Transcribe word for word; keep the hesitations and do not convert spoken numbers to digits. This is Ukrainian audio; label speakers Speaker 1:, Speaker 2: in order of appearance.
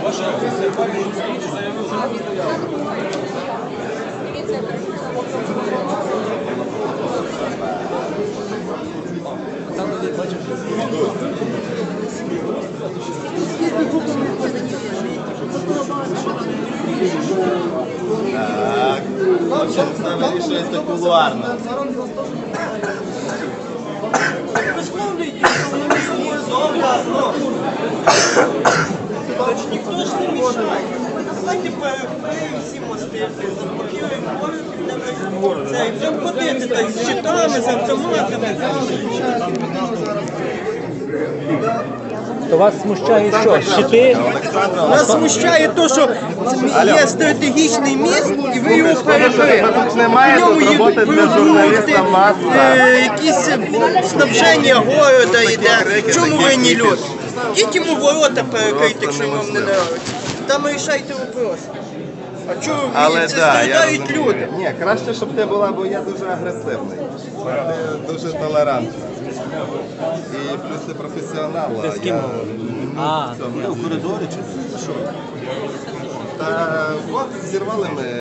Speaker 1: Так, це вирішується кулуарно.
Speaker 2: Ніхто ж не мішає. Давайте перекриємо всі мости, заблокуємо город, це, і будемо ходити так, з щитами, з автоматами.
Speaker 3: То вас смущає що? Щити?
Speaker 2: Нас смущає те, що є стратегічний міст, і ви його перекрили. В ньому їдуть продукти, е, якісь снабження города йде. В чому винні люди? Ідіть йому ворота перекрити, якщо вам не подобається. Там рішайте вопрос. А чого ви це страдають люди?
Speaker 1: Ні, краще, щоб ти була, бо я дуже агресивний. Ти дуже толерантний. І плюс ти професіонал. Ти з ким?
Speaker 3: А, в коридорі чи?
Speaker 1: Та от зірвали ми.